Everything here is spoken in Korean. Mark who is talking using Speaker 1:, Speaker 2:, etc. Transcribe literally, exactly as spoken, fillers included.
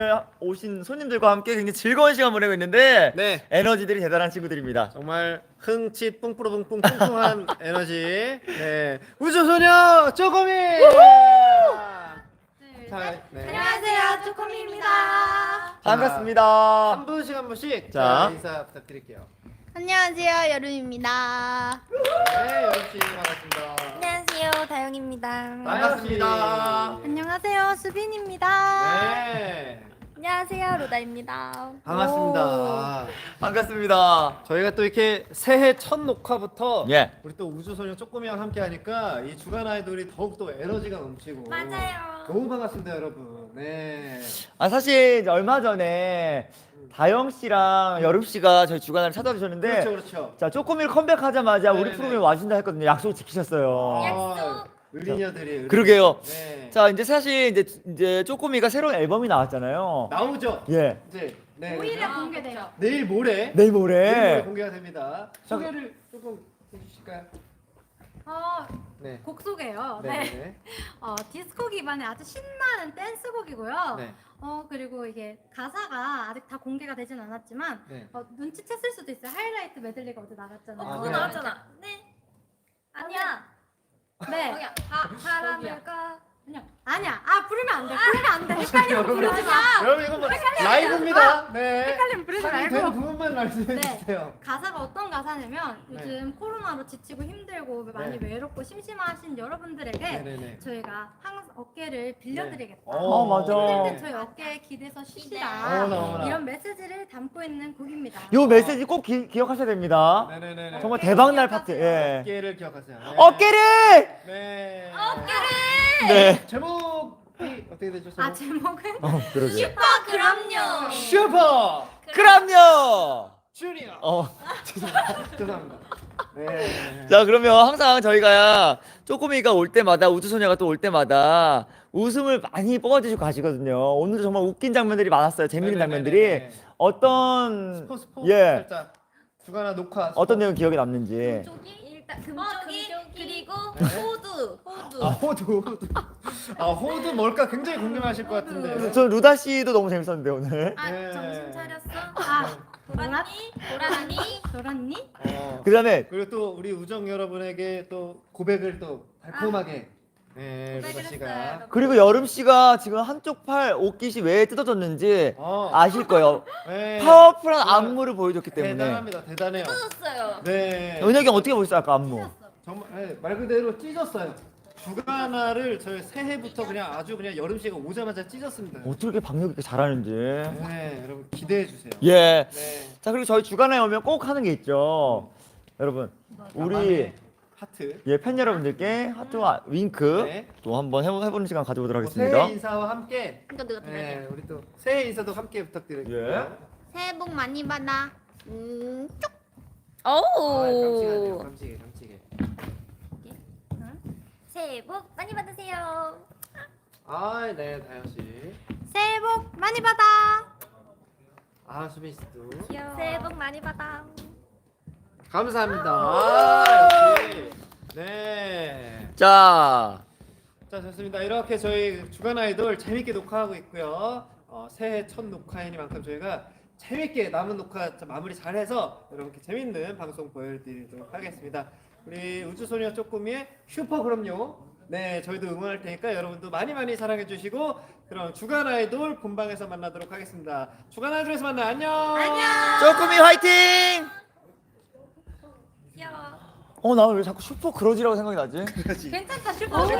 Speaker 1: 오신 손님들과 함께 굉장히 즐거운 시간 보내고 있는데
Speaker 2: 네.
Speaker 1: 에너지들이 대단한 친구들입니다.
Speaker 2: 정말 흥치 뿡뿌러뿡뿡 뿡뿡한 에너지. 네. 우주소녀 쪼꼬미. 자, 네.
Speaker 3: 안녕하세요, 쪼꼬미입니다.
Speaker 1: 반갑습니다.
Speaker 2: 한 분씩 한 분씩
Speaker 1: 자.
Speaker 2: 자, 인사 부탁드릴게요.
Speaker 3: 안녕하세요, 여름입니다.
Speaker 2: 네, 여러분 반갑습니다.
Speaker 3: 안녕하세요, 다영입니다.
Speaker 1: 반갑습니다.
Speaker 3: 안녕하세요, 수빈입니다.
Speaker 2: 네.
Speaker 3: 안녕하세요, 로다입니다.
Speaker 2: 반갑습니다.
Speaker 1: 반갑습니다.
Speaker 2: 저희가 또 이렇게 새해 첫 녹화부터
Speaker 1: 예.
Speaker 2: 우리 또 우주소녀 쪼꼬미랑 함께 하니까 이 주간 아이돌이 더욱더 에너지가 넘치고
Speaker 3: 맞아요.
Speaker 2: 너무 반갑습니다, 여러분. 네.
Speaker 1: 아 사실 이제 얼마 전에 다영 씨랑 여름 씨가 저희 주간을 찾아주셨는데
Speaker 2: 그렇죠, 그렇죠.
Speaker 1: 자 쪼꼬미를 컴백하자마자 우리
Speaker 2: 네네네.
Speaker 1: 프로그램에 와준다 했거든요. 약속 지키셨어요.
Speaker 2: 아, 의리녀들이. 의리-
Speaker 1: 그러게요.
Speaker 2: 네.
Speaker 1: 자 이제 사실 이제 이제 쪼꼬미가 새로운 앨범이 나왔잖아요.
Speaker 2: 나오죠.
Speaker 1: 예.
Speaker 2: 이제 네.
Speaker 3: 오 일에 공개돼요.
Speaker 2: 내일 모레.
Speaker 1: 내일
Speaker 2: 내일 모레
Speaker 1: 모레.
Speaker 2: 공개가 됩니다. 소개를 조금 해주실까요?
Speaker 4: 어,
Speaker 2: 네.
Speaker 4: 곡 소개요.
Speaker 2: 네.
Speaker 4: 네.
Speaker 2: 네.
Speaker 4: 어, 디스코 기반의 아주 신나는 댄스곡이고요.
Speaker 2: 네.
Speaker 4: 어, 그리고 이게 가사가 아직 다 공개가 되진 않았지만
Speaker 2: 네.
Speaker 4: 어, 눈치챘을 수도 있어요. 하이라이트 메들리가 어제 나갔잖아요.
Speaker 2: 아,
Speaker 3: 그거
Speaker 2: 네.
Speaker 3: 나왔잖아. 네. 아니야.
Speaker 4: 네.
Speaker 3: 거기야. 바, 바람을 가.
Speaker 4: 아니야. 아니야. 아, 부르면 안 돼. 부르면 안 돼. 헷갈리면 부르지 마.
Speaker 2: 여러분 이거 뭐 라이브입니다. 네.
Speaker 4: 헷갈리면 부르지
Speaker 2: 상이
Speaker 4: 말고.
Speaker 2: 되는 부분만 말씀해
Speaker 4: 네.
Speaker 2: 주세요.
Speaker 4: 가사가 어떤 가사냐면
Speaker 2: 네.
Speaker 4: 요즘 코로나로 지치고 힘들고 많이
Speaker 2: 네.
Speaker 4: 외롭고 심심하신 여러분들에게
Speaker 2: 네네네.
Speaker 4: 저희가 항상 어깨를 빌려드리겠다.
Speaker 1: 어, 맞아.
Speaker 4: 힘들 때 저희 어깨에 기대서 쉬시라.
Speaker 2: 어머나, 어머나.
Speaker 4: 이런 메시지를 담고 있는 곡입니다.
Speaker 1: 요 메시지 꼭 기, 기억하셔야 됩니다.
Speaker 2: 네네네.
Speaker 1: 정말 대박 날 파트. 예.
Speaker 2: 어깨를 기억하세요. 네.
Speaker 1: 어깨를.
Speaker 2: 네.
Speaker 1: 네.
Speaker 2: 제목이 어떻게 되죠?
Speaker 4: 아
Speaker 2: 제목?
Speaker 4: 제목은
Speaker 1: 어 그러게.
Speaker 3: 슈퍼 그럼요.
Speaker 2: 슈퍼
Speaker 1: 그럼요.
Speaker 2: 주니어.
Speaker 1: 어.
Speaker 2: 죄송합니다. 네.
Speaker 1: 자 그러면 항상 저희가 쪼꼬미가 올 때마다 우주소녀가 또 올 때마다 웃음을 많이 뽑아주시고 가시거든요. 오늘도 정말 웃긴 장면들이 많았어요. 재밌는
Speaker 2: 네네네네.
Speaker 1: 장면들이 어떤
Speaker 2: 스포 스포
Speaker 1: 예
Speaker 2: 살짝 주간화 녹화 스포.
Speaker 1: 어떤 내용 기억에 남는지.
Speaker 3: 쪽이 일단 금쪽이 그리고
Speaker 2: 네.
Speaker 3: 호두. 호두.
Speaker 2: 아 호두 호두 아 호두 뭘까 굉장히 궁금하실 것 같은데.
Speaker 1: 저 루다 씨도 너무 재밌었는데 오늘.
Speaker 3: 아,
Speaker 2: 네.
Speaker 3: 정신 차렸어?
Speaker 4: 아
Speaker 3: 돌았니? 돌았니?
Speaker 4: 돌았니?
Speaker 2: 어.
Speaker 1: 그다음에
Speaker 2: 그리고 또 우리 우정 여러분에게 또 고백을 또 달콤하게 네 루다
Speaker 3: 고백을
Speaker 2: 씨가
Speaker 3: 했어요.
Speaker 1: 그리고 여름 씨가 지금 한쪽 팔 옷깃이 왜 뜯어졌는지
Speaker 2: 어.
Speaker 1: 아실 거예요.
Speaker 2: 네.
Speaker 1: 파워풀한
Speaker 2: 정말
Speaker 1: 안무를 보여줬기 때문에.
Speaker 2: 대단합니다. 대단해요.
Speaker 3: 뜯었어요.
Speaker 2: 네.
Speaker 1: 은혁이 형 어떻게 보셨어요 아까 안무?
Speaker 2: 정말 네, 말 그대로 찢었어요. 주간화를 저희 새해부터 그냥 아주 그냥 여름 씨가 오자마자 찢었습니다.
Speaker 1: 어떻게 이렇게 박력 있게 잘하는지.
Speaker 2: 네, 여러분 기대해 주세요.
Speaker 1: 예.
Speaker 2: 네.
Speaker 1: 자 그리고 저희 주간에 오면 꼭 하는 게 있죠. 여러분 우리
Speaker 2: 나만의 하트.
Speaker 1: 예, 팬 여러분들께 하트와 윙크
Speaker 2: 네.
Speaker 1: 또 한번 해보, 해보는 시간 가져보도록
Speaker 2: 뭐
Speaker 1: 하겠습니다.
Speaker 2: 새해 인사와 함께
Speaker 3: 이거 누가 들어야
Speaker 2: 네,
Speaker 3: 돼?
Speaker 2: 우리 또 새해 인사도 함께 부탁드릴게요.
Speaker 1: 예.
Speaker 3: 새해 복 많이 받아. 음, 쭉.
Speaker 2: 아,
Speaker 3: 오.
Speaker 2: 깜찍하네요. 깜찍해, 깜찍해.
Speaker 3: 새해 복 많이 받으세요.
Speaker 2: 아, 네, 다현 씨.
Speaker 4: 새해 복 많이 받아.
Speaker 2: 아, 수빈 씨도.
Speaker 3: 귀여워. 새해 복 많이 받아.
Speaker 2: 감사합니다. 아, 역시. 네.
Speaker 1: 자,
Speaker 2: 자, 좋습니다. 이렇게 저희 주간 아이돌 재밌게 녹화하고 있고요. 어, 새해 첫 녹화이니만큼 저희가 재밌게 남은 녹화 자, 마무리 잘해서 여러분께 재밌는 방송 보여드리도록 하겠습니다. 우리 우주소녀 쪼꼬미의 슈퍼 그럼요. 네, 저희도 응원할 테니까 여러분도 많이 많이 사랑해 주시고 그럼 주간 아이돌 본방에서 만나도록 하겠습니다. 주간 아이돌에서 만나 안녕. 안녕.
Speaker 1: 쪼꼬미 화이팅!
Speaker 3: 귀여워.
Speaker 1: 어, 나 왜 자꾸 슈퍼 그러지라고 생각이 나지?
Speaker 4: 괜찮다 슈퍼.